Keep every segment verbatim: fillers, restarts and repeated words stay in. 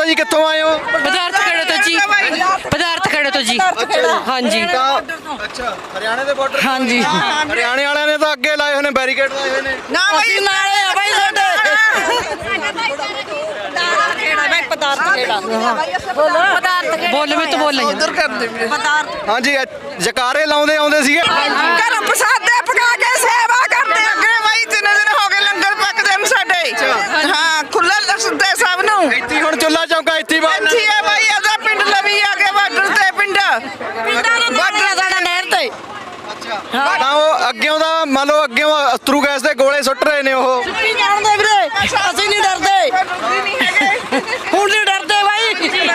जी कित्थों आए हो? पदार्थ खड़े तो जी पदार्थ खड़े तो जी हाँ जी अच्छा हरियाणा ਦੇ ਬਾਰਡਰ हाँ जी ਹਰਿਆਣੇ ਵਾਲਿਆਂ ਨੇ ਤਾਂ ਅੱਗੇ ਲਾਏ ਹੋਏ ਨੇ ਬੈਰੀਕੇਡ ਲਾਏ ਹੋਏ ਨੇ ना भाई नाले आ भाई साडे पदार्थ खेड़ा बोलो पदार्थ खेड़ा बोल में तो बोल उधर कर दे पदार्थ ਹਾਂਜੀ ਜਕਾਰੇ ਲਾਉਂਦੇ ਆਉਂਦੇ ਸੀਗੇ ਘਰ ਪ੍ਰਸਾਦੇ ਪਕਾ ਕੇ ਸੇਵਾ ਕਰਦੇ ਅੱਗੇ ਬਾਈ ਤਿੰਨ ਦਿਨ ਹੋ ਗਏ ਲੰਗਰ ਪੱਕਦੇ ਨੇ ਸਾਡੇ ਹਾਂ ਖੁੱਲਾ ਲਸਦੇ ਸਭ ਨੂੰ ਇੱਥੇ ਹੁਣ ਚੁੱਲਾ ਚੌਂਕਾ ਇੱਥੇ ਬਾਹਰ ਇੱਥੇ ਆ ਬਾਈ ਅਦਾ ਪਿੰਡ ਲਵੀ ਆ ਕੇ ਬਾਰਡਰ ਤੇ ਪਿੰਡ ਬਾਰਡਰ ਸਾਡਾ ਨਹਿਰ ਤੇ ਤਾਂ ਉਹ ਅੱਗਿਓਂ ਦਾ ਮੰਨ ਲਓ ਅੱਗਿਓਂ ਅਸਤਰੂ ਗੈਸ ਦੇ ਗੋਲੇ ਸੁੱਟ ਰਹੇ ਨੇ ਉਹ ਕੀ ਜਾਣਦੇ ਵੀਰੇ ਅਸੀਂ ਨਹੀਂ ਡਰਦੇ ਹੁਣ ਨਹੀਂ ਡਰਦੇ ਬਾਈ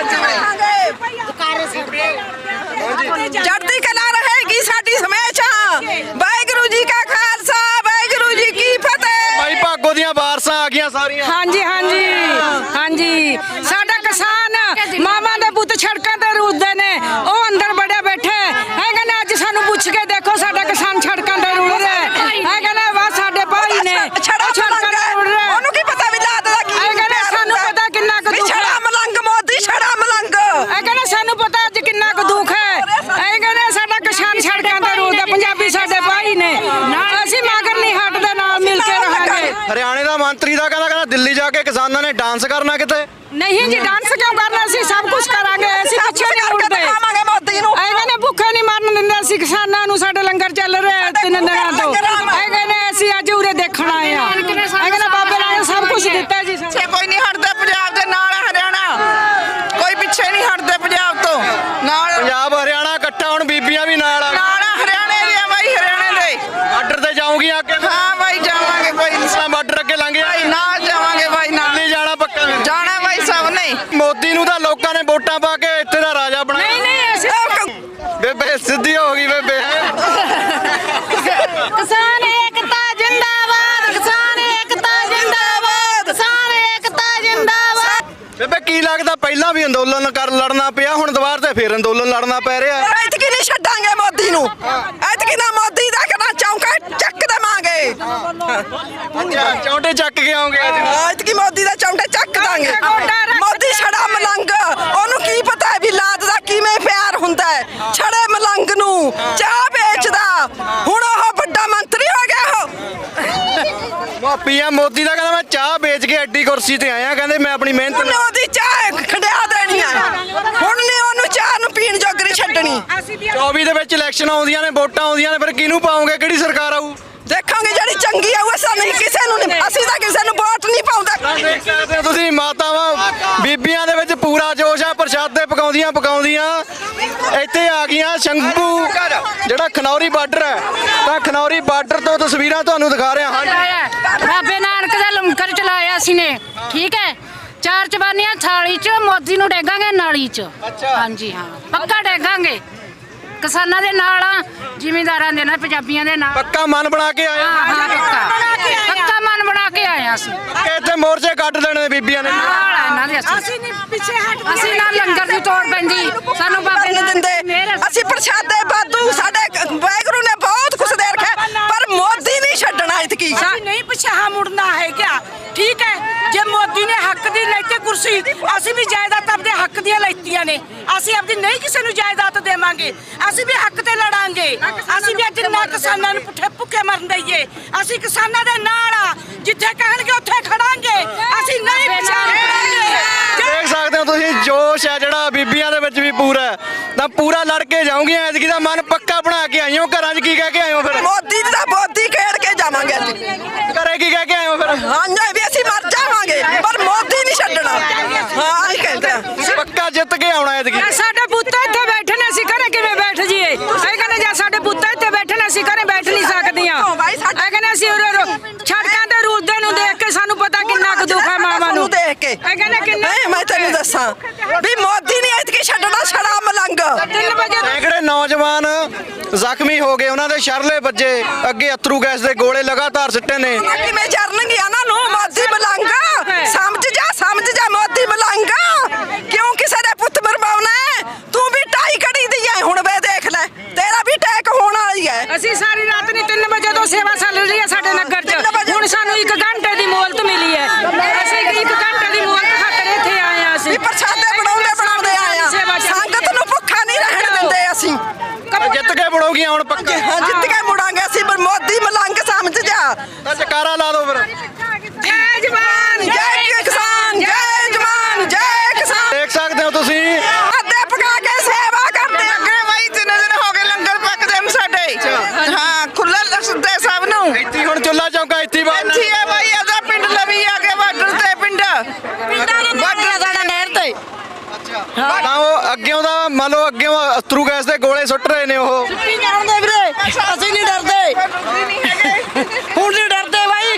ਚੜ੍ਹਦੀ ਕਲਾ ਰਹੇਗੀ ਸਾਡੀ ਹਮੇਸ਼ਾ ਵਾਹਿਗੁਰੂ ਜੀ ਕਾ ਖਾਲਸਾ ਵਾਹਿਗੁਰੂ ਜੀ ਕੀ ਫਤਿਹ ਭਾਈ ਭਾਗੋ ਦੀਆਂ ਵਾਰਸਾਂ ਆ ਗਈਆਂ ਸਾਰੀਆਂ हाँ जी हाँ जी हाँ जी साडा किसान मामा दे पुत सड़कों ते रुलदे ने ओ अंदर बड़े बैठे है कहने अज सानू पुछ के देखो साडा किसान सड़कों ते रुल रहा है कहने वाह साडे भाई ने ਛੜਾ सड़कों ते रुल रहा ਉਹਨੂੰ ਕੀ ਪਤਾ ਵੀ ਲਾਤ ਦਾ ਕੀ है कहने सानू पता किन्ना क दुख ਛੜਾ ਮਲੰਗ ਮੋਦੀ ਛੜਾ ਮਲੰਗ है कहने सानू पता अज किन्ना क दुख है है कहने साडा किसान सड़कों ते रुलदा पंजाबी साडे भाई ने ਅਸੀਂ मगर नहीं हटदे नाल मिल के रहांगे ਹਰਿਆਣੇ ਦਾ ਮੰਤਰੀ ਦਾ ਕਹਿੰਦਾ ਕਹਿੰਦਾ ਦਿੱਲੀ ਜਾ ਕੇ ਕਿਸਾਨਾਂ ਨੇ ਡਾਂਸ ਕਰਨਾ ਕਿਤੇ नहीं जी डांस क्यों करना ਅਸੀਂ सब कुछ करांगे ਅਸੀਂ ਪਿੱਛੇ ਨਹੀਂ ਮੁੜਦੇ ਆਵਾਂਗੇ ਮੋਦੀ ਨੂੰ ਐਵੇਂ ਨੇ ਭੁੱਖੇ ਨਹੀਂ ਮਰਨ ਦਿੰਦੇ ਅਸੀਂ ਕਿਸਾਨਾਂ ਨੂੰ ਸਾਡੇ ਲੰਗਰ ਚੱਲ ਰਹੇ ਤਿੰਨ ਦਿਨਾਂ ਤੋਂ ਐਵੇਂ ਨੇ ਅਸੀਂ ਅੱਜ ਉਰੇ ਦੇਖਣ ਆਏ ਆ ਐਵੇਂ ਨੇ ਬਾਬੇ ਨੇ ਸਭ ਕੁਝ ਦਿੱਤਾ ਜੀ ਸਾਨੂੰ। ਪਿੱਛੇ ਕੋਈ ਨਹੀਂ ਹਟਦਾ ਪੰਜਾਬ ਦੇ ਨਾਲ ਹੈ ਹਰਿਆਣਾ ਕੋਈ ਪਿੱਛੇ ਨਹੀਂ ਹਟਦੇ ਪੰਜਾਬ ਤੋਂ ਨਾਲ ਪੰਜਾਬ ਹਰਿਆਣਾ ਇਕੱਠਾ ਹੁਣ ਬੀਬੀਆਂ ਵੀ ਨਾਲ ਆ ਨਾਲ ਆ ਹਰਿਆਣੇ ਦੇ ਆ ਬਾਈ ਹਰਿਆਣੇ ਦੇ ਬਾਰਡਰ ਤੇ ਜਾਊਂਗੀਆਂ ਅੱਗੇ ਹਾਂ ਬਾਈ ਜਾਵਾਂਗੇ ਕੋਈ ਨਹੀਂ ਇਸਲਾ ਬਾਰਡਰ ਅੱਗੇ ਲੰਘ ਗਿਆ ਨਾਲ ਜਾਵਾਂਗੇ ਬਾਈ ਨਾਲ ਦਿੱਲੀ ਜਾਣਾ ਪੱਕਾ ਜਾਣਾ ਬਾਈ ਸਭ ਨੇ ਮੋਦੀ ਨੂੰ ਤਾਂ ਲੋਕਾਂ ਨੇ ਵੋਟਾਂ ਪਾ ਕੇ ਇੱਥੇ ਦਾ ਰਾਜਾ ਬਣਾਇਆ ਨਹੀਂ ਨਹੀਂ ਅਸੀਂ ਬੇਬੇ ਸਿੱਧੀ ਹੋ ਗਈ ਬੇਬੇ ਕਿਸਾਨ ਏਕਤਾ ਜਿੰਦਾਬਾਦ ਕਿਸਾਨ ਏਕਤਾ ਜਿੰਦਾਬਾਦ ਕਿਸਾਨ ਏਕਤਾ ਜਿੰਦਾਬਾਦ ਬੇਬੇ ਕੀ ਲੱਗਦਾ ਪਹਿਲਾਂ ਵੀ ਅੰਦੋਲਨ ਕਰ ਲੜਨਾ ਪਿਆ ਹੁਣ ਦੁਬਾਰ ਤੇ ਫੇਰ ਅੰਦੋਲਨ ਲੜਨਾ ਪੈ ਰਿਹਾ ਐਤਕੀ ਨਹੀਂ ਛੱਡਾਂਗੇ ਮੋਦੀ ਨੂੰ ਐਤਕੀ ਨਾ ਮੋਦੀ ਦਾ ਕਨਾ ਚੌਂਕਾ ਚੱਕ ਦੇਵਾਂਗੇ ਅੱਛਾ ਚੌਂਟੇ ਚੱਕ ਕੇ ਆਉਂਗੇ ਐਤਕੀ ਮੋਦੀ ਦਾ ਚੌਂਕਾ ਚੱਕ ਦਾਂਗੇ ਮੋਦੀ ਛੜਾ ਮਲੰਗ ਉਹਨੂੰ ਕੀ ਪਤਾ ਹੈ ਵੀ ਲਾਤ ਦਾ ਕਿਵੇਂ ਪਿਆਰ ਹੁੰਦਾ ਹੈ ਛੜੇ ਮਲੰਗ ਨੂੰ ਚਾਹ ਵੇਚਦਾ ਹੁਣ ਉਹ ਵੱਡਾ ਮੰਤਰੀ ਹੋ ਗਿਆ ਉਹ ਪੀਐਮ ਮੋਦੀ ਦਾ ਕਹਿੰਦਾ ਮੈਂ ਚਾਹ ਵੇਚ ਕੇ ਐਡੀ ਕੁਰਸੀ ਤੇ ਆਇਆ ਕਹਿੰਦੇ ਮੈਂ ਆਪਣੀ ਮਿਹਨਤ ਉਹਨੇ ਉਹਦੀ ਚਾਹ ਖੰਡਿਆ ਦੇਣੀ ਆ ਹੁਣ ਨੇ ਉਹਨੂੰ ਚਾਹ ਨੂੰ ਪੀਣ ਜੋਗਰੀ ਛੱਡਣੀ ਚੌਵੀ ਦੇ ਵਿੱਚ ਇਲੈਕਸ਼ਨ ਆਉਂਦੀਆਂ ਨੇ ਵੋਟਾਂ ਆਉਂਦੀਆਂ ਨੇ ਫਿਰ ਕਿਹਨੂੰ ਪਾਉਂਗੇ ਕਿਹੜੀ ਸਰਕਾਰ ਆਊ ਦੇਖਾਂਗੇ ਜਿਹੜੀ ਚੰਗੀ ਆ ਉਹ ਅਸਾਂ ਨਹੀਂ ਕਿਸੇ ਨੂੰ ਨਹੀਂ ਅਸੀਂ ਤਾਂ ਕਿਸੇ ਨੂੰ ਵੋਟ ਨਹੀਂ ਪਾਉਂਦੇ ਦੇਖ ਸਕਦੇ ਹੋ ਤੁਸੀਂ ਮਾਤਾਵਾਂ ਬੀਬੀਆਂ ਦੇ ਵਿੱਚ ਪੂਰਾ ਜੋਸ਼ ਆ ਪ੍ਰਸ਼ਾਦੇ ਪਕਾਉਂਦੀਆਂ ਪਕਾਉਂਦੀਆਂ ਇੱਥੇ ਆ ਗਈਆਂ ਸ਼ੰਭੂ ਜਿਹੜਾ ਖਨੌਰੀ ਬਾਰਡਰ ਹੈ ਤਾਂ ਖਨੌਰੀ ਬਾਰਡਰ ਤੋਂ ਤਸਵੀਰਾਂ ਤੁਹਾਨੂੰ ਦਿਖਾ ਰਿਹਾ ਹਾਂ ਬਾਬੇ ਨਾਨਕ ਦਾ ਲੰਗਰ ਚਲਾਇਆ ਸੀ ਨੇ ਠੀਕ ਹੈ ਚਾਰ ਚਬਾਨੀਆਂ ਥਾਲੀ ਚ ਮੋਦੀ ਨੂੰ ਡੇਗਾਂਗੇ ਨਾਲੀ ਚ ਹਾਂਜੀ ਹਾਂ ਪੱਕਾ ਡੇਗਾਂਗੇ ਕਿਸਾਨਾਂ ਦੇ ਨਾਲ ਆ ਜ਼ਿਮੀਂਦਾਰਾਂ ਦੇ ਨਾਲ ਪੰਜਾਬੀਆਂ ਦੇ ਨਾਲ ਪੱਕਾ ਮਨ ਬਣਾ ਕੇ ਆਇਆ ਹਾਂ ਪੱਕਾ ਪੱਕਾ ਮਨ ਬਣਾ ਕੇ ਆਇਆ ਸੀ ਕਿ ਇੱਥੇ ਮੋਰਚੇ ਕੱਢ ਦੇਣੇ ਨੇ ਬੀਬੀਆਂ ਨੇ ਨਾਲ ਆ ਇਹਨਾਂ ਦੇ ਅਸੀਂ ਨਹੀਂ ਪਿੱਛੇ ਹਟ ਅਸੀਂ ਨਾਲ ਲੰਗਰ ਦੀ ਤੋੜ ਪੈਂਦੀ ਸਾਨੂੰ ਬਾਬੇ ਨਹੀਂ ਦਿੰਦੇ ਅਸੀਂ ਪ੍ਰਸ਼ਾਦੇ ਬਾਦੂ ਸਾਡੇ ਵਾਹਿਗੁਰੂ ਨੇ ਬਹੁਤ ਕੁਛ ਦੇ ਰੱਖਿਆ ਪਰ ਮੋਦੀ ਨਹੀਂ ਛੱਡਣਾ ਇਤਕੀ नहीं पिछा मुड़ना है क्या ठीक है जे मोदी ने हक दी लेते कुर्सी ਅਸੀਂ ਵੀ ਜਾਇਦਾਦ ਆਪਣੇ ਹੱਕ ਦੀਆਂ ਲੈਤੀਆਂ ਨੇ ਅਸੀਂ ਆਪਦੀ ਨਹੀਂ ਕਿਸੇ ਨੂੰ ਜਾਇਦਾਦ ਦੇਵਾਂਗੇ ਅਸੀਂ ਵੀ ਹੱਕ ਤੇ ਲੜਾਂਗੇ ਅਸੀਂ ਵੀ ਜਿੰਨਾ ਕਿਸਾਨਾਂ ਨੂੰ ਪੁੱਠੇ ਭੁੱਖੇ ਮਰਨ ਦਈਏ ਅਸੀਂ ਕਿਸਾਨਾਂ ਦੇ ਨਾਲ ਆ ਜਿੱਥੇ ਕਹਿਣਗੇ ਉੱਥੇ ਖੜਾਂਗੇ ਅਸੀਂ ਨਹੀਂ ਪਿਛਾ ਦੇਖ ਸਕਦੇ ਹੋ ਤੁਸੀਂ ਜੋਸ਼ ਹੈ ਜਿਹੜਾ ਬੀਬੀਆਂ ਦੇ ਵਿੱਚ ਵੀ ਪੂਰਾ ਹੈ ਤਾਂ ਪੂਰਾ ਲੜ ਕੇ ਜਾਊਂਗੀਆਂ ਐਤਕੀ ਦਾ ਮਨ ਪੱਕਾ ਬਣਾ ਕੇ ਆਈਓ ਘਰਾਂ 'ਚ ਕੀ ਕਹਿ ਕੇ ਆਇਓ ਫਿਰ ਮੋਦੀ ਦਾ ਮੋਦੀ ਖੇਡ ਕੇ ਜਾਵਾਂਗੇ ਅੱਜ ਘਰੇ ਕੀ ਕਹਿ ਕੇ ਆਇਓ ਫਿਰ ਹਾਂ ਨਹੀਂ ਵੀ ਅਸੀਂ ਮਰ ਜਾਵਾਂਗੇ ਪਰ ਮੋਦੀ ਨਹੀਂ ਛੱਡਣਾ ਹਾਂ ਇਹ ਕਹਿੰਦੇ ਆ। ਪੱਕਾ ਜਿੱਤ ਕੇ ਆਉਣਾ ਐਤਕੀ ਸਾਡੇ ਪੁੱਤ ਇੱਥੇ ਬੈਠੇ ਨੇ ਅਸੀਂ ਘਰੇ ਕਿਵੇਂ ਬੈਠ ਜੀਏ ਇਹ ਕਹਿੰਦੇ ਜੇ ਸਾਡੇ ਪੁੱਤ ਇੱਥੇ ਬੈਠੇ ਨੇ ਅਸੀਂ ਘਰੇ ਬੈਠ ਨਹੀਂ ਸਕਦੀਆਂ ਇਹ ਕਹਿੰਦੇ ਅਸੀਂ ਛੜਕਾਂ ਤੇ ਰੁਲਦੇ ਨੂੰ ਦੇਖ ਕੇ ਸਾਨੂੰ ਪਤਾ ਕਿੰਨਾ ਕੁ ਦੁੱਖ ਹੈ ਮਾਵਾਂ ਨੂੰ ਦੇਖ ਕੇ ਇਹ ਕਹਿੰਦੇ ਕਿੰਨਾ ਨਹੀਂ ਮੈਂ ਤੈਨੂੰ ਦੱਸਾਂ ਵੀ ਮੋਦੀ ਨਹੀਂ ਇਤਕੀ ਛੱਡਣਾ ਛੜਾ ਮਲੰਗ ਤਿੰਨ ਵਜੇ ਸੈਂਕੜੇ ਨੌਜਵਾਨ ਜ਼ਖਮੀ ਹੋ ਗਏ ਉਹਨਾਂ ਦੇ ਸ਼ਰਲੇ ਵੱਜੇ ਅੱਗੇ ਅਥਰੂ ਗੈਸ ਦੇ ਗੋਲੇ ਲਗਾਤਾਰ ਸਿੱਟੇ ਨੇ ਕਿਵੇਂ ਚਰਨਗੇ ਉਹਨਾਂ ਨੂੰ ਮੋਦੀ ਮਲੰਗ ਸਮਝ ਜਾ ਸਮਝ ਜਾ ਮੋਦੀ ਮਲੰਗ ਕਿਉਂ ਕਿਸੇ ਦੇ ਪੁੱਤ ਮਰਵਾਉਣਾ ਤੂੰ ਵੀ ਢਾਈ ਕੜੀ ਦੀ ਹੈ ਹੁਣ ਵੇ ਦੇਖ ਲੈ ਤੇਰਾ ਵੀ ਟੈਕ ਹੋਣ ਵਾਲੀ ਹੈ ਅਸੀਂ ਸਾਰੀ ਰਾਤ ਨਹੀਂ ਤਿੰਨ ਵਜੇ ਤੋਂ ਸੇਵਾ ਚੱਲ ਰਹੀ ਹੈ ਸਾਡੇ ਨਗਰ 'ਚ ਹੁਣ ਸਾਨੂੰ ਇੱਕ ਘੰਟੇ ਦੀ ਮੋਹਲਤ ਮਿਲੀ ਹੈ ਅਸੀਂ ਇੱਕ ਘੰਟੇ ਦੀ ਮੋਹਲਤ ਖਾਤਰ ਇੱਥੇ ਆਏ ਆ ਅਸੀਂ ਪ੍ਰਸ਼ਾਦੇ ਬਣਾਉਂਦੇ ਬਣਾਉਂਦੇ ਆਏ ਆ ਸੰਗਤ ਨੂੰ ਭੁੱਖਾ ਨਹੀਂ ਰਹਿਣ ਦਿੰਦੇ ਅਸੀਂ ਜਿੱਤ ਕੇ ਬਣੋਗੀਆਂ ਹੁਣ ਪੱਕਾ ਹਾਂ ਜਿੱਤ ਕੇ ਮੁੜਾਂਗੇ ਅਸੀਂ ਪਰ ਮੋਦੀ ਮਲੰਗ ਸਮਝ ਜਾ ਤਾਂ ਜਕਾਰਾ ਲਾ ਦਿਓ ਫਿਰ ਜੈ ਜਵਾਨ ਜੈ ਕਿਸਾਨ ਜੈ ਜਵਾਨ ਜੈ ਕਿਸਾਨ ਦੇਖ ਸਕਦੇ ਹੋ ਤੁਸੀਂ ਅੱਧੇ ਪਕਾ ਕੇ ਸੇਵਾ ਕਰਦੇ ਅੱਗੇ ਬਾਈ ਤਿੰਨ ਦਿਨ ਹੋ ਗਏ ਲੰਗਰ ਪੱਕਦੇ ਨੇ ਸਾਡੇ ਹਾਂ ਖੁੱਲਾ ਦੱਸਦੇ ਸਭ ਨੂੰ ਇੱਥੇ ਹੁਣ ਚੁੱਲਾ ਚੌਂਕਾ ਇੱਥੇ ਬਾਹਰ ਇੱਥੇ ਆ ਬਾਈ ਆਦਾ ਪਿੰਡ ਲਵੀ ਆ ਕੇ ਬਾਰਡਰ ਤੇ ਪਿੰਡ ਬਾਰਡਰ ਸਾਡਾ ਨਹਿਰ ਤੇ ਤਾਂ ਉਹ ਅੱਗਿਓਂ ਦਾ ਮੰਨ ਲਓ ਅੱਗਿਓਂ ਅਸਤਰੂ ਗੈਸ ਦੇ ਗੋਲੇ ਸੁੱਟ ਰਹੇ ਨੇ ਉਹ ਕੀ ਜਾਣਦੇ ਵੀਰੇ ਅਸੀਂ ਨਹੀਂ ਡਰਦੇ ਹੁਣ ਨਹੀਂ ਡਰਦੇ ਬਾਈ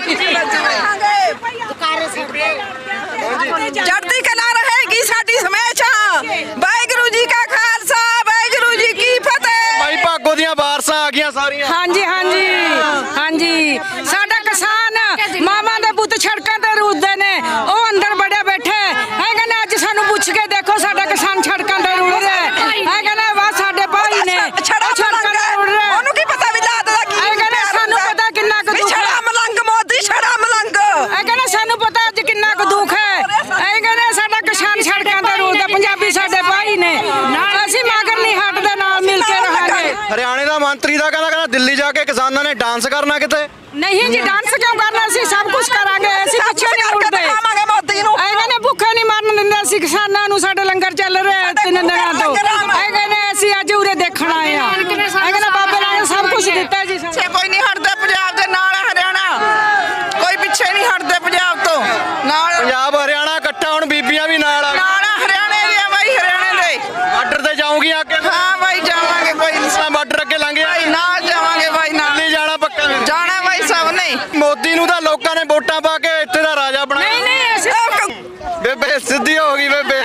ਚੜ੍ਹਦੀ ਕਲਾ ਰਹੇਗੀ ਸਾਡੀ ਹਮੇਸ਼ਾ ਵਾਹਿਗੁਰੂ ਜੀ ਕਾ ਖਾਲਸਾ ਵਾਹਿਗੁਰੂ ਜੀ ਕੀ ਫਤਿਹ ਭਾਈ ਭਾਗੋ ਦੀਆਂ ਵਾਰਸਾਂ ਆ ਗਈਆਂ ਸਾਰੀਆਂ ਹਾਂਜੀ ਹਾਂਜੀ ਹਾਂਜੀ ਸਾਡਾ ਕਿਸਾਨ ਮਾਮਾ ਦੇ ਪੁੱਤ ਸੜਕਾਂ ਤੇ ਰੁੱਦੇ ਨੇ ਉਹ ਅੰਦਰ ਬੜੇ ਬੈਠੇ ਹੈਗੇ ਨੇ ਅੱਜ ਸਾਨੂੰ ਪੁੱਛ ਕੇ ਦੇਖੋ ਸਾਡਾ ਕਿਸਾਨ ਸੜਕਾਂ ਤੇ ਰੁੜ ਰਿਹਾ ਹੈਗੇ ਨੇ ਵਾ ਸਾਡੇ ਭਾਈ ਨੇ ਛੜਾ ਸੜਕਾਂ ਤੇ ਰੁੜ ਰਿਹਾ ਉਹਨੂੰ ਕੀ ਪਤਾ ਵੀ ਲਾਦ ਦਾ ਕੀ ਹੈਗੇ ਨੇ ਸਾਨੂੰ ਪਤਾ ਕਿੰਨਾ ਕੁ ਦੁੱਖ ਛੜਾ ਹੈ ਮਲੰਗ ਮੋਦੀ ਛੜਾ ਮਲੰਗ ਹੈਗੇ ਨੇ ਸਾਨੂੰ ਪਤਾ ਅੱਜ ਕਿੰਨਾ ਕੁ ਦੁੱਖ ਹੈ ਹੈਗੇ ਨੇ ਸਾਡਾ ਕਿਸਾਨ ਸੜਕਾਂ ਤੇ ਰੁੜਦਾ ਪੰਜਾਬੀ ਸਾਡੇ ਭਾਈ ਨੇ ਅਸੀਂ ਮਗਰ ਨਹੀਂ ਹਟਦੇ ਨਾਲ ਮਿਲ ਕੇ ਰਹਾਂਗੇ ਹਰਿਆਣੇ ਦਾ ਮੰਤਰੀ ਦਾ ਕਹਿੰਦਾ ਕਹਿੰਦਾ ਦਿੱਲੀ ਜਾ ਕੇ ਕਿਸਾਨਾਂ ਨੇ ਡਾਂਸ ਕਰਨਾ ਕਿਤੇ ਨਹੀਂ ਜੀ ਡਾਂਸ ਕਿਉਂ ਕਰਨਾ ਅਸੀਂ ਸਭ ਕੁਝ ਕਰਾਂਗੇ ਅਸੀਂ ਪਿੱਛੇ ਨਹੀਂ ਮੁੜਦੇ ਦਿਖਾਵਾਂਗੇ ਮੋਦੀ ਨੂੰ ਐਵੇਂ ਨੇ ਭੁੱਖੇ ਨਹੀਂ ਮਰਨ ਦਿੰਦੇ ਅਸੀਂ ਕਿਸਾਨਾਂ ਨੂੰ ਸਾਡੇ ਲੰਗਰ ਚੱਲ ਰਿਹਾ ਤਿੰਨ ਦਿਨਾਂ ਤੋਂ ਐਵੇਂ ਨੇ ਅਸੀਂ ਅੱਜ ਉਰੇ ਦੇਖਣ ਆਏ ਆ ਐਵੇਂ ਨੇ ਬਾਬੇ ਨੇ ਸਭ ਕੁਝ ਦਿੱਤਾ ਜੀ ਸਾਨੂੰ। ਪਿੱਛੇ ਕੋਈ ਨਹੀਂ ਹਟਦਾ ਪੰਜਾਬ ਦੇ ਨਾਲ ਹੈ ਹਰਿਆਣਾ ਕੋਈ ਪਿੱਛੇ ਨਹੀਂ ਹਟਦੇ ਪੰਜਾਬ ਤੋਂ ਨਾਲ ਪੰਜਾਬ ਹਰਿਆਣਾ ਇਕੱਠਾ ਹੁਣ ਬੀਬੀਆਂ ਵੀ ਨਾਲ ਆ ਨਾਲ ਆ ਹਰਿਆਣੇ ਦੇ ਆ ਬਾਈ ਹਰਿਆਣੇ ਦੇ ਬਾਰਡਰ ਤੇ ਜਾਊਂਗੀਆਂ ਅੱਗੇ ਹਾਂ ਬਾਈ ਜਾਵਾਂਗੇ ਕੋਈ ਨਹੀਂ ਇਸਲਾਮ ਬਾਰਡਰ ਅੱਗੇ ਲੰਘ ਗਿਆ ਬਾਈ ਨਾਲ ਜਾਵਾਂਗੇ ਬਾਈ ਨਾਲ ਦਿੱਲੀ ਜਾਣਾ ਪੱਕਾ ਫਿਰ। ਜਾਣਾ ਬਾਈ ਸਭ ਨੇ ਮੋਦੀ ਨੂੰ ਤਾਂ ਲੋਕਾਂ ਨੇ ਵੋਟਾਂ ਪਾ ਕੇ ਇੱਥੇ ਦਾ ਰਾਜਾ ਨਹੀਂ ਬਣਾਇਆ ਨਹੀਂ ਅਸੀਂ ਬੇਬੇ ਸਿੱਧੀ ਹੋ ਗਈ ਬੇਬੇ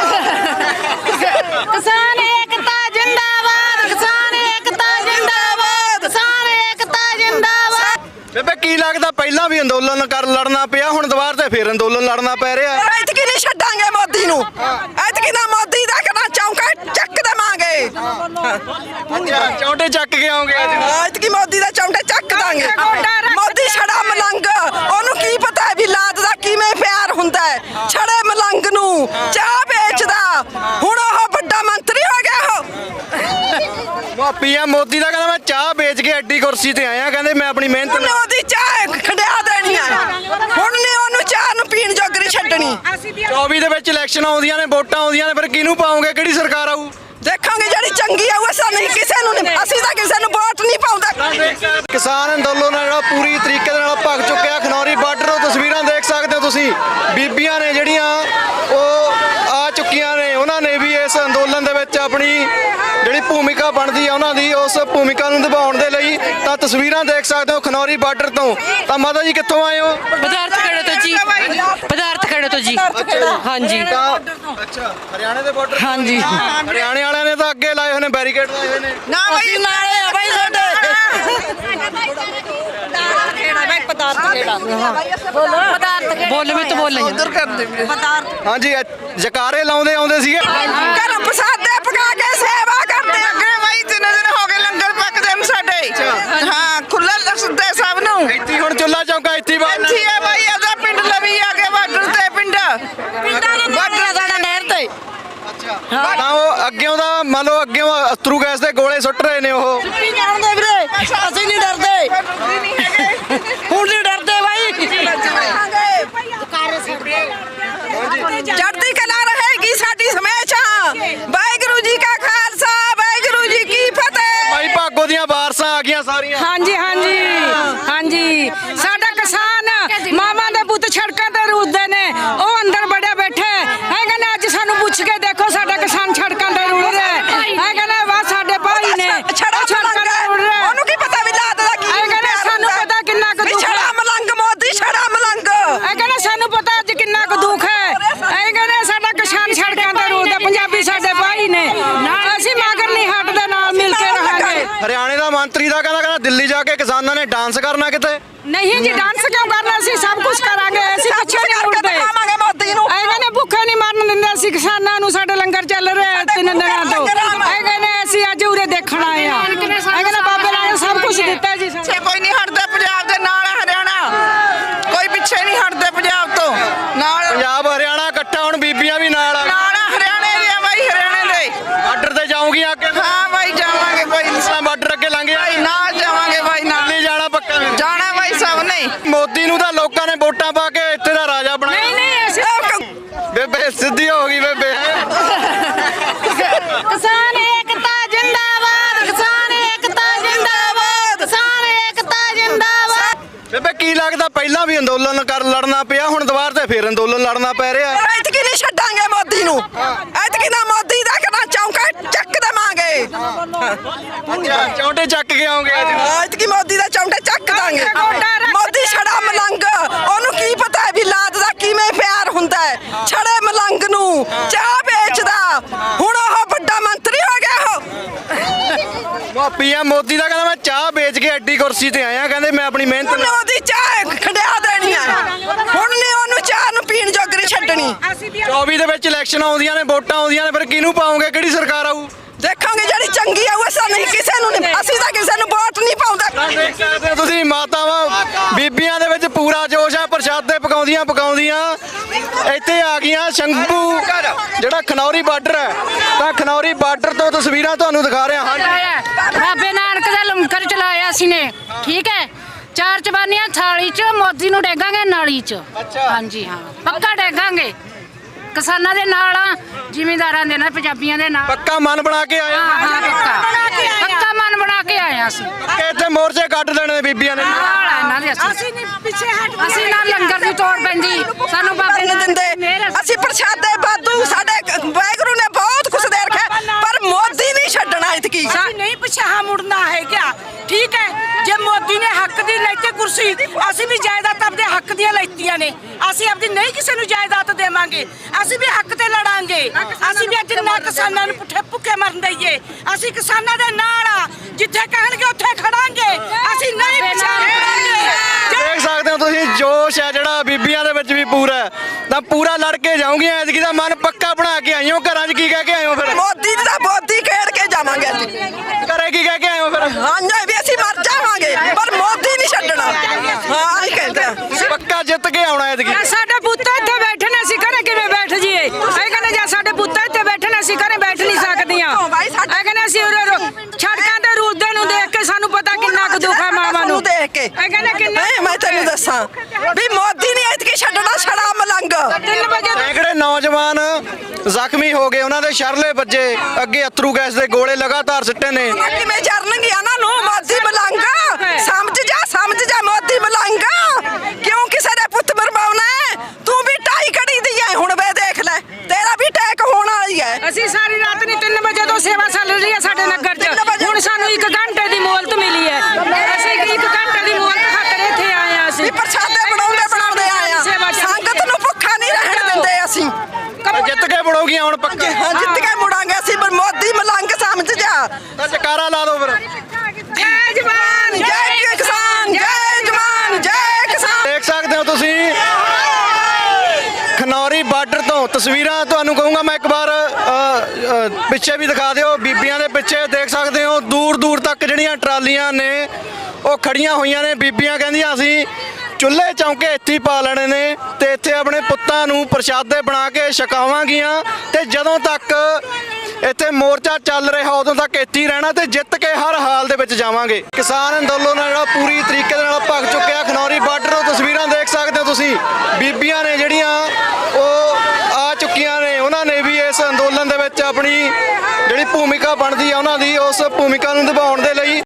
ਕਿਸਾਨ ਏਕਤਾ ਜਿੰਦਾਬਾਦ ਕਿਸਾਨ ਏਕਤਾ ਜਿੰਦਾਬਾਦ ਕਿਸਾਨ ਏਕਤਾ ਜਿੰਦਾਬਾਦ ਬੇਬੇ ਕੀ ਲੱਗਦਾ ਪਹਿਲਾਂ ਵੀ ਅੰਦੋਲਨ ਕਰ ਲੜਨਾ ਪਿਆ ਹੁਣ ਦੁਬਾਰ ਤੇ ਫੇਰ ਅੰਦੋਲਨ ਲੜਨਾ ਪੈ ਰਿਹਾ ਐਤਕੀ ਨਹੀਂ ਛੱਡਾਂਗੇ ਮੋਦੀ ਨੂੰ ਐਤਕੀ ਨਾ ਮੋਦੀ ਦਾ ਕਨਾ ਚੌਂਕਾ ਚੱਕ ਦੇਵਾਂਗੇ ਅੱਛਾ ਚੌਂਟੇ ਚੱਕ ਕੇ ਆਉਂਗੇ ਐਤਕੀ ਮੋਦੀ ਦਾ ਚੌਂਕਾ ਚੱਕ ਦਾਂਗੇ ਮੋਦੀ ਛੜਾ ਮਲੰਗ ਉਹਨੂੰ ਕੀ ਪਤਾ ਹੈ ਵੀ ਲਾਦ ਦਾ ਕਿਵੇਂ ਪਿਆਰ ਹੁੰਦਾ ਹੈ ਛੜੇ ਮਲੰਗ ਨੂੰ ਚਾਹ ਵੇਚਦਾ ਹੁਣ ਉਹ ਵੱਡਾ ਮੰਤਰੀ ਹੋ ਗਿਆ ਉਹ ਪੀਐਮ ਮੋਦੀ ਦਾ ਕਹਿੰਦਾ ਮੈਂ ਚਾਹ ਵੇਚ ਕੇ ਐਡੀ ਕੁਰਸੀ ਤੇ ਆਇਆ ਕਹਿੰਦੇ ਮੈਂ ਆਪਣੀ ਮਿਹਨਤ ਉਹਨੇ ਉਹਦੀ ਚਾਹ ਖੰਡਿਆ ਦੇਣੀ ਹੈ ਹੁਣ ਨੇ ਉਹਨੂੰ ਚਾਹ ਨੂੰ ਪੀਣ ਜੋਗਰੀ ਛੱਡਣੀ ਚੌਵੀ ਦੇ ਵਿੱਚ ਇਲੈਕਸ਼ਨ ਆਉਂਦੀਆਂ ਨੇ ਵੋਟਾਂ ਆਉਂਦੀਆਂ ਨੇ ਫਿਰ ਕਿਹਨੂੰ ਪਾਉਂਗੇ ਕਿਹੜੀ ਸਰਕਾਰ ਆਊ ਦੇਖਾਂਗੇ ਜਿਹੜੀ ਚੰਗੀ ਆਊ ਅਸਾਂ ਨਹੀਂ ਕਿਸੇ ਨੂੰ ਨਹੀਂ ਅਸੀਂ ਤਾਂ ਕਿਸੇ ਨੂੰ ਵੋਟ ਨਹੀਂ ਪਾਉਂਦੇ ਕਿਸਾਨ ਅੰਦੋਲਨ ਹੈ ਜਿਹੜਾ ਪੂਰੀ ਤਰੀਕੇ ਦੇ ਨਾਲ ਭਗ ਚੁੱਕਿਆ ਖਨੌਰੀ ਬਾਰਡਰ ਤੋਂ ਤਸਵੀਰਾਂ ਦੇਖ ਸਕਦੇ ਹੋ ਤੁਸੀਂ ਬੀਬੀਆਂ ਨੇ ਜਿਹੜੀਆਂ ਉਹ ਆ ਚੁੱਕੀਆਂ ਨੇ ਉਹਨਾਂ ਨੇ ਵੀ ਇਸ ਅੰਦੋਲਨ ਦੇ ਵਿੱਚ ਆਪਣੀ ਜਿਹੜੀ ਭੂਮਿਕਾ ਬਣਦੀ ਹੈ ਉਹਨਾਂ ਦੀ ਉਸ ਭੂਮਿਕਾ ਨੂੰ ਨਿਭਾਉਣ ਦੇ ਲਈ ਤਾਂ ਤਸਵੀਰਾਂ ਦੇਖ ਸਕਦੇ ਹੋ ਖਨੌਰੀ ਬਾਰਡਰ ਤੋਂ ਤਾਂ ਮਾਤਾ ਜੀ ਕਿੱਥੋਂ ਆਏ ਹੋ ਪਦਾਰਥ ਖੜੇ ਤੋਂ ਜੀ ਪਦਾਰਥ ਖੜੇ ਤੋਂ ਜੀ ਹਾਂਜੀ ਤਾਂ ਅੱਛਾ ਹਰਿਆਣੇ ਦੇ ਬਾਰਡਰ ਹਾਂਜੀ ਹਰਿਆਣੇ ਵਾਲਿਆਂ ਨੇ ਤਾਂ ਅੱਗੇ ਲਾਏ ਹੋਏ ਨੇ ਬੈਰੀਕੇਡ ਲਾਏ ਹੋਏ ਨੇ ਨਾ ਬਾਈ ਨਾਲੇ ਆ ਬਾਈ ਸਾਡੇ ਬੋਲ ਮੈਂ ਤਾਂ ਬੋਲ ਰਹੀ ਉਧਰ ਕਰਦੇ ਵੀਰੇ ਹਾਂਜੀ ਅ- ਜਕਾਰੇ ਲਾਉਂਦੇ ਆਉਂਦੇ ਸੀਗੇ ਘਰ ਪ੍ਰਸਾਦੇ ਪਕਾ ਕੇ ਸੇਵਾ ਕਰਦੇ ਅੱਗੇ ਬਾਈ ਤਿੰਨ ਦਿਨ ਹੋ ਗਏ ਲੰਗਰ ਪੱਕਦੇ ਨੇ ਸਾਡੇ ਹਾਂ ਖੁੱਲਾ ਦੱਸਦੇ ਸਭ ਨੂੰ ਇੱਥੇ ਹੁਣ ਚੁੱਲਾ ਚੌਂਕਾ ਇੱਥੇ ਬਾਹਰ ਇੱਥੇ ਆ ਬਾਈ ਆਦਾ ਪਿੰਡ ਲਵੀ ਆ ਕੇ ਬਾਰਡਰ ਤੇ ਪਿੰਡ ਬਾਰਡਰ ਸਾਡਾ ਨਹਿਰ ਤੇ ਤਾਂ ਉਹ ਅੱਗਿਓਂ ਦਾ ਮੰਨ ਲਓ ਅੱਗਿਓਂ ਅਸਤਰੂ ਗੈਸ ਦੇ ਗੋਲੇ ਸੁੱਟ ਰਹੇ ਨੇ ਉਹ ਕੀ ਜਾਣਦੇ ਵੀਰੇ ਅਸੀਂ ਨਹੀਂ ਡਰਦੇ ਹੁਣ ਨਹੀਂ ਡਰਦੇ ਬਾਈ ਚੜ੍ਹਦੀ ਕਲਾ ਰਹੇਗੀ ਸਾਡੀ ਹਮੇਸ਼ਾ ਵਾਹਿਗੁਰੂ ਜੀ ਕਾ ਖਾਲਸਾ ਵਾਹਿਗੁਰੂ ਜੀ ਕੀ ਫਤਿਹ ਭਾਈ ਭਾਗੋ ਦੀਆਂ ਵਾਰਸਾਂ ਆ ਗਈਆਂ ਸਾਰੀਆਂ ਹਾਂਜੀ ਹਾਂਜੀ ਹਾਂਜੀ ਸਾਡਾ ਕਿਸਾਨ ਮਾਮਾ ਦੇ ਪੁੱਤ ਸੜਕਾਂ ਤੇ ਰੁੱਦੇ ਨੇ ਉਹ ਅੰਦਰ ਬੜੇ ਬੈਠੇ ਹੈਗੇ ਨੇ ਅੱਜ ਸਾਨੂੰ ਪੁੱਛ ਕੇ ਦੇਖੋ ਸਾਡਾ ਕਿਸਾਨ ਸੜਕਾਂ ਤੇ ਰੁੜ ਰਿਹਾ ਹੈਗੇ ਨੇ ਵਾ ਸਾਡੇ ਭਾਈ ਨੇ ਛੜਾ ਸੜਕਾਂ ਤੇ ਰੁੜ ਰਿਹਾ ਉਹਨੂੰ ਕੀ ਪਤਾ ਵੀ ਲਾਦ ਦਾ ਕੀ ਹੈਗੇ ਨੇ ਸਾਨੂੰ ਪਤਾ ਕਿੰਨਾ ਕੁ ਦੁੱਖ ਛੜਾ ਹੈ ਮਲੰਗ ਮੋਦੀ ਛੜਾ ਮਲੰਗ ਹੈਗੇ ਨੇ ਸਾਨੂੰ ਪਤਾ ਅੱਜ ਕਿੰਨਾ ਕੁ ਦੁੱਖ ਹੈ ਹੈਗੇ ਨੇ ਸਾਡਾ ਕਿਸਾਨ ਸੜਕਾਂ ਤੇ ਰੁੱਦਾ ਪੰਜਾਬੀ ਸਾਡੇ ਭਾਈ ਨੇ ਅਸੀਂ ਮਗਰ ਨਹੀਂ ਹਟਦੇ ਨਾਲ ਮਿਲ ਕੇ ਰਹਾਂਗੇ ਹਰਿਆਣੇ ਦਾ ਮੰਤਰੀ ਦਾ ਕਹਿੰਦਾ ਕਹਿੰਦਾ ਦਿੱਲੀ ਜਾ ਕੇ ਕਿਸਾਨਾਂ ਨੇ ਡਾਂਸ ਕਰਨਾ ਕਿਤੇ ਨਹੀਂ ਜੀ ਡਾਂਸ ਕਿਉਂ ਕਰਨਾ ਅਸੀਂ ਸਭ ਕੁਝ ਕਰਾਂਗੇ ਅਸੀਂ ਪਿੱਛੇ ਨਹੀਂ ਮੁੜਦੇ ਦਿਖਾਵਾਂਗੇ ਮੋਦੀ ਨੂੰ ਐਵੇਂ ਨੇ ਭੁੱਖੇ ਨਹੀਂ ਮਰਨ ਦਿੰਦੇ ਅਸੀਂ ਕਿਸਾਨਾਂ ਨੂੰ ਸਾਡੇ ਲੰਗਰ ਚੱਲ ਰਿਹਾ ਤਿੰਨ ਦਿਨਾਂ ਤੋਂ ਐਵੇਂ ਨੇ ਅਸੀਂ ਅੱਜ ਉਰੇ ਦੇਖਣ ਆਏ ਆ ਐਵੇਂ ਨੇ ਬਾਬੇ ਨੇ ਸਭ ਕੁਝ ਦਿੱਤਾ ਜੀ ਸਾਨੂੰ। ਪਿੱਛੇ ਕੋਈ ਨਹੀਂ ਹਟਦਾ ਪੰਜਾਬ ਦੇ ਨਾਲ ਹੈ ਹਰਿਆਣਾ ਕੋਈ ਪਿੱਛੇ ਨਹੀਂ ਹਟਦੇ ਪੰਜਾਬ ਤੋਂ ਨਾਲ ਪੰਜਾਬ ਹਰਿਆਣਾ ਇਕੱਠਾ ਹੁਣ ਬੀਬੀਆਂ ਵੀ ਨਾਲ ਆ ਨਾਲ ਹਿੰਦੀ ਹੋ ਗਈ ਬੇਬੇ। ਕਿਸਾਨ ਏਕਤਾ ਜਿੰਦਾਬਾਦ, ਕਿਸਾਨ ਏਕਤਾ ਜਿੰਦਾਬਾਦ, ਕਿਸਾਨ ਏਕਤਾ ਜਿੰਦਾਬਾਦ। ਬੇਬੇ ਕੀ ਲੱਗਦਾ ਪਹਿਲਾਂ ਵੀ ਅੰਦੋਲਨ ਕਰ ਲੜਨਾ ਪਿਆ, ਹੁਣ ਦੁਬਾਰ ਤੇ ਫੇਰ ਅੰਦੋਲਨ ਲੜਨਾ ਪੈ ਰਿਹਾ? ਐਤਕੀ ਨਹੀਂ ਛੱਡਾਂਗੇ ਮੋਦੀ ਨੂੰ, ਐਤਕੀ ਨਾ ਮੋਦੀ ਦਾ ਕਰਾਂ ਚੌਂਕਾ ਚੱਕ ਦੇਵਾਂਗੇ। ਅੱਛਾ ਚੌਂਟੇ ਚੱਕ ਕੇ ਆਉਂਗੇ ਅੱਜ? ਐਤਕੀ ਮੋਦੀ ਦਾ ਚੌਂਟਾ ਚੱਕ ਦਾਂਗੇ। ਮੋਦੀ ਛੜਾ ਮਲੰਗ, ਉਹਨੂੰ ਕੀ ਪਤਾ ਹੈ ਵੀ ਲਾਦ ਦਾ ਕਿਵੇਂ ਪਿਆਰ ਹੁੰਦਾ ਹੈ। ਛੜੇ ਮਲੰਗ ਨੂੰ ਚਾਹ ਵੇਚਦਾ, ਹੁਣ ਉਹ ਵੱਡਾ ਮੰਤਰੀ ਹੋ ਗਿਆ। ਉਹ ਪੀਐਮ ਮੋਦੀ ਦਾ ਕਹਿੰਦਾ ਮੈਂ ਚਾਹ ਵੇਚ ਕੇ ਐਡੀ ਕੁਰਸੀ ਤੇ ਆਇਆ, ਕਹਿੰਦੇ ਮੈਂ ਆਪਣੀ ਮਿਹਨਤ ਉਹਨੇ ਨਾਲ। ਉਹਦੀ ਚਾਹ ਖੰਡਿਆ ਦੇਣੀ ਆ, ਹੁਣ ਨਹੀਂ ਉਹਨੂੰ ਚਾਹ ਨੂੰ ਪੀਣ ਜੋਗਰੀ ਛੱਡਣੀ। ਚੌਵੀ ਦੇ ਵਿੱਚ ਇਲੈਕਸ਼ਨ ਆਉਂਦੀਆਂ ਨੇ, ਵੋਟਾਂ ਆਉਂਦੀਆਂ ਨੇ, ਫਿਰ ਕਿਹਨੂੰ ਪਾਉਂਗੇ, ਕਿਹੜੀ ਸਰਕਾਰ ਆਊ? ਦੇਖਾਂਗੇ ਜਿਹੜੀ ਚੰਗੀ ਆਊ। ਅਸਾਂ ਨਹੀਂ ਕਿਸੇ ਨੂੰ ਨਹੀਂ, ਅਸੀਂ ਤਾਂ ਕਿਸੇ ਨੂੰ ਵੋਟ ਨਹੀਂ ਪਾਉਂਦੇ। ਦੇਖ ਸਕਦੇ ਹੋ ਤੁਸੀਂ ਮਾਤਾਵਾਂ ਬੀਬੀਆਂ ਦੇ ਵਿੱਚ ਪੂਰਾ ਜੋਸ਼ ਆ, ਪ੍ਰਸ਼ਾਦੇ ਪਕਾਉਂਦੀਆਂ ਪਕਾਉਂਦੀਆਂ ਇੱਥੇ ਆ ਗਈਆਂ ਸ਼ੰਭੂ ਜਿਹੜਾ ਖਨੌਰੀ ਬਾਰਡਰ ਹੈ। ਤਾਂ ਖਨੌਰੀ ਬਾਰਡਰ ਤੋਂ ਤਸਵੀਰਾਂ ਤੁਹਾਨੂੰ ਦਿਖਾ ਰਿਹਾ ਹਾਂ। ਚਲਾਇਆ ਬਾਬੇ ਨਾਨਕ ਦਾ ਲੰਗਰ ਚਲਾਇਆ ਸੀ ਨੇ, ਠੀਕ ਹੈ। ਚਾਰ ਚਬਾਨੀਆਂ ਥਾਲੀ ਚ, ਮੋਦੀ ਨੂੰ ਡੇਗਾਂਗੇ ਨਾਲੀ ਚ। ਹਾਂਜੀ ਹਾਂ, ਪੱਕਾ ਡੇਗਾਂਗੇ। ਕਿਸਾਨਾਂ ਦੇ ਨਾਲ ਆ, ਜ਼ਿਮੀਂਦਾਰਾਂ ਦੇ ਨਾਲ, ਪੰਜਾਬੀਆਂ ਦੇ ਨਾਲ। ਪੱਕਾ ਮਨ ਬਣਾ ਕੇ ਆਏ? ਹਾਂ ਹਾਂ ਪੱਕਾ ਪੱਕਾ ਮਨ ਬਣਾ ਕੇ ਆਏ ਅਸੀਂ। ਕਿ ਇੱਥੇ ਮੋਰਚੇ ਕੱਢ ਦੇਣੇ ਨੇ ਬੀਬੀਆਂ ਨੇ? ਨਾਲ ਆ ਇਹਨਾਂ ਦੇ ਅਸੀਂ। ਅਸੀਂ ਨਹੀਂ ਪਿੱਛੇ ਹਟ ਅਸੀਂ ਨਾਲ ਲੰਗਰ ਦੀ ਤੋੜ ਪੈਂਦੀ ਸਾਨੂੰ ਬਾਬੇ ਨਹੀਂ ਨਾਨਕ ਦੀ ਮਿਹਰ ਦਿੰਦੇ ਆ। ਅਸੀਂ ਪ੍ਰਸ਼ਾਦੇ ਬਾਦੂ, ਸਾਡੇ ਵਾਹਿਗੁਰੂ ਨੇ ਬਹੁਤ ਕੁਛ ਦੇ ਰੱਖਿਆ, ਪਰ ਮੋਦੀ ਨਹੀਂ ਛੱਡਣਾ ਇਤਕੀ। ਅਸੀਂ ਨਹੀਂ ਪਿਛਾਹ ਮੁੜਨਾ ਹੈ ਕਿਆ? ਠੀਕ ਹੈ, ਜੇ ਮੋਦੀ ਨੇ ਹੱਕ ਦੀ ਲੈਤੀ ਕੁਰਸੀ, ਅਸੀਂ ਵੀ ਜਾਇਦਾਦ ਆਪਦੇ ਹੱਕ ਦੀਆਂ ਲੈਤੀਆਂ ਨੇ। ਅਸੀਂ ਆਪਦੀ ਨਹੀਂ ਕਿਸੇ ਨੂੰ ਜਾਇਦਾਦ ਦੇਵਾਂਗੇ, ਅਸੀਂ ਵੀ ਹੱਕ ਤੇ ਲੜਾਂਗੇ। ਅਸੀਂ ਵੀ ਅੱਜ ਨਾ ਕਿਸਾਨਾਂ ਨੂੰ ਪੁੱਠੇ ਭੁੱਖੇ ਮਰਨ ਦਈਏ। ਅਸੀਂ ਕਿਸਾਨਾਂ ਦੇ ਨਾਲ ਆ, ਜਿੱਥੇ ਕਹਿਣਗੇ ਉੱਥੇ ਖੜਾਂਗੇ। ਅਸੀਂ ਨਹੀਂ ਪਿਛਾਹ ਮੁੜਾਂਗੇ। ਦੇਖ ਸਕਦੇ ਹੋ ਤੁਸੀਂ ਜੋਸ਼ ਹੈ ਜਿਹੜਾ ਬੀਬੀਆਂ ਦੇ ਵਿੱਚ ਵੀ ਪੂਰਾ ਹੈ। ਤਾਂ ਪੂਰਾ ਲੜ ਕੇ ਜਾਉਂਗੀਆਂ, ਐਤਕੀ ਦਾ ਮਨ ਪੱਕਾ ਬਣਾ ਕੇ ਆਈਓ। ਘਰਾਂ 'ਚ ਕੀ ਕਹਿ ਕੇ ਆਇਓ ਫਿਰ? ਮੋਦੀ ਦਾ ਬੋਦੀ ਖੇਡ ਕੇ ਜਾਵਾਂਗੇ ਅੱਜ। ਘਰੇ ਕੀ ਕਹਿ ਕੇ ਆਇਓ ਫਿਰ? ਹਾਂ ਜੀ, ਵੀ ਅਸੀਂ ਮਰ ਜਾਵਾਂਗੇ, ਪਰ ਮੋਦੀ ਨਹੀਂ ਛੱਡਣਾ। ਹਾਂ ਇਹ ਕਹਿੰਦੇ ਆ। ਪੱਕਾ ਜਿੱਤ ਕੇ ਆਉਣਾ ਐਤਕੀ। ਸਾਡੇ ਪੁੱਤ ਇੱਥੇ ਬੈਠੇ ਨੇ, ਅਸੀਂ ਘਰੇ ਕਿਵੇਂ ਬੈਠ ਜੀਏ? ਇਹ ਕਹਿੰਦੇ ਜੇ ਸਾਡੇ ਪੁੱਤ ਇੱਥੇ ਬੈਠੇ ਨੇ, ਅਸੀਂ ਘਰੇ ਬੈਠ ਨਹੀਂ ਸਕਦੀਆਂ। ਇਹ ਕਹਿੰਦੇ ਅਸੀਂ ਉਰੇ ਰੋ- ਸੜਕਾਂ ਤੇ ਰੁਲਦੇ ਨੂੰ ਦੇਖ ਕੇ ਸਾਨੂੰ ਪਤਾ ਕਿੰਨਾ ਕੁ ਦੁੱਖ ਹੈ ਮਾਵਾਂ ਨੂੰ। ਦੇਖ ਕੇ ਇਹ ਕਹਿੰਦੇ ਕਿੰਨਾ ਨਹੀਂ, ਮੈਂ ਤੈਨੂੰ ਦੱਸਾਂ ਵੀ ਮੋਦੀ ਨਹੀਂ ਇਤਕੀ ਛੱਡਣਾ। ਛੜਾ ਮਲੰਗ ਤਿੰਨ ਵਜੇ ਸੈਂਕੜੇ ਨੌਜਵਾਨ ਜ਼ਖਮੀ ਹੋ ਗਏ, ਉਹਨਾਂ ਦੇ ਸ਼ਰਲੇ ਵੱਜੇ, ਅੱਗੇ ਅਥਰੂ ਗੈਸ ਦੇ ਗੋਲੇ ਲਗਾਤਾਰ ਸਿੱਟੇ ਨੇ। ਕਿਵੇਂ ਜਰਨਗੀਆਂ ਉਹਨਾਂ ਨੂੰ? ਮੋਦੀ ਮਲੰਗ ਸਮਝ ਜਾ, ਸਮਝ ਜਾ ਮੋਦੀ ਮਲੰਗ। ਕਿਉਂ ਕਿਸੇ ਦੇ ਪੁੱਤ ਮਰਵਾਉਣਾ ਹੈ? ਤੂੰ ਵੀ ਢਾਈ ਘੜੀ ਦੀ ਹੈ, ਹੁਣ ਵੇ ਦੇਖ ਲੈ, ਤੇਰਾ ਵੀ ਟੈਕ ਹੋਣ ਵਾਲੀ ਹੈ। ਅਸੀਂ ਸਾਰੀ ਰਾਤ ਨਹੀਂ, ਤਿੰਨ ਵਜੇ ਤੋਂ ਸੇਵਾ ਚੱਲ ਰਹੀ ਹੈ ਸਾਡੇ ਨਗਰ 'ਚ। ਹੁਣ ਸਾਨੂੰ ਇੱਕ ਘੰਟੇ ਦੀ ਮੋਹਲਤ ਮਿਲੀ ਹੈ। ਅਸੀਂ ਇੱਕ ਘੰਟੇ ਦੀ ਮੋਹਲਤ ਖਾਤਰ ਇੱਥੇ ਆਏ ਹਾਂ। ਅਸੀਂ ਵੀ ਪ੍ਰਸ਼ਾਦੇ ਬਣਾਉਂਦੇ ਬਣਾਉਂਦੇ ਆਏ ਆ। ਸੰਗਤ ਨੂੰ ਭੁੱਖਾ ਨਹੀਂ ਰਹਿਣ ਦਿੰਦੇ ਅਸੀਂ। ਤਾਂ ਜਿੱਤ ਕੇ ਬਣੋਗੀਆਂ ਹੁਣ ਪੱਕਾ? ਹਾਂ ਜਿੱਤ ਕੇ ਮੁੜਾਂਗੇ ਅਸੀਂ, ਪਰ ਮੋਦੀ ਮਲੰਗ ਸਮਝ ਜਾ। ਤਾਂ ਜਕਾਰਾ ਲਾ ਦਿਓ ਫਿਰ। ਜੈ ਜਵਾਨ ਜੈ ਕਿਸਾਨ, ਜੈ ਜਵਾਨ ਜੈ ਕਿਸਾਨ। ਦੇਖ ਸਕਦੇ ਹੋ ਤੁਸੀਂ ਖਨੌਰੀ ਬਾਰਡਰ ਤੋਂ ਤਸਵੀਰਾਂ ਤੁਹਾਨੂੰ ਕਹੂੰਗਾ ਮੈਂ ਇੱਕ ਵਾਰ ਅ, ਅ, ਪਿੱਛੇ ਵੀ ਦਿਖਾ ਦਿਓ। ਬੀਬੀਆਂ ਦੇ ਪਿੱਛੇ ਦੇਖ ਸਕਦੇ ਹੋ ਦੂਰ ਦੂਰ ਤੱਕ ਜਿਹੜੀਆਂ ਟਰਾਲੀਆਂ ਨੇ ਉਹ ਖੜੀਆਂ ਹੋਈਆਂ ਨੇ। ਬੀਬੀਆਂ ਕਹਿੰਦੀਆਂ ਅਸੀਂ ਚੁੱਲ੍ਹੇ ਚੌਂਕੇ ਇੱਥੇ ਹੀ ਪਾ ਲੈਣੇ ਨੇ ਤੇ ਇੱਥੇ ਆਪਣੇ ਪੁੱਤਾਂ ਨੂੰ ਪ੍ਰਸ਼ਾਦੇ ਬਣਾ ਕੇ ਛਕਾਵਾਂਗੀਆਂ, ਤੇ ਜਦੋਂ ਤੱਕ ਇੱਥੇ ਮੋਰਚਾ ਚੱਲ ਰਿਹਾ ਉਦੋਂ ਤੱਕ ਇੱਥੇ ਹੀ ਰਹਿਣਾ ਤੇ ਜਿੱਤ ਕੇ ਹਰ ਹਾਲ ਦੇ ਵਿੱਚ ਜਾਵਾਂਗੇ। ਕਿਸਾਨ ਅੰਦੋਲਨ ਹੈ ਜਿਹੜਾ ਪੂਰੀ ਤਰੀਕੇ ਦੇ ਨਾਲ ਭੱਗ ਚੁੱਕਿਆ ਖਨੌਰੀ ਬਾਰਡਰ ਤੋਂ। ਤਸਵੀਰਾਂ ਦੇਖ ਸਕਦੇ ਹੋ ਤੁਸੀਂ, ਬੀਬੀਆਂ ਨੇ ਜਿਹੜੀਆਂ ਉਹ ਆ ਚੁੱਕੀਆਂ ਨੇ, ਉਹਨਾਂ ਨੇ ਵੀ ਇਸ ਅੰਦੋਲਨ ਦੇ ਵਿੱਚ ਆਪਣੀ ਜਿਹੜੀ ਭੂਮਿਕਾ ਬਣਦੀ ਆ ਉਹਨਾਂ ਦੀ ਉਸ ਭੂਮਿਕਾ ਨੂੰ ਨਿਭਾਉਣ ਦੇ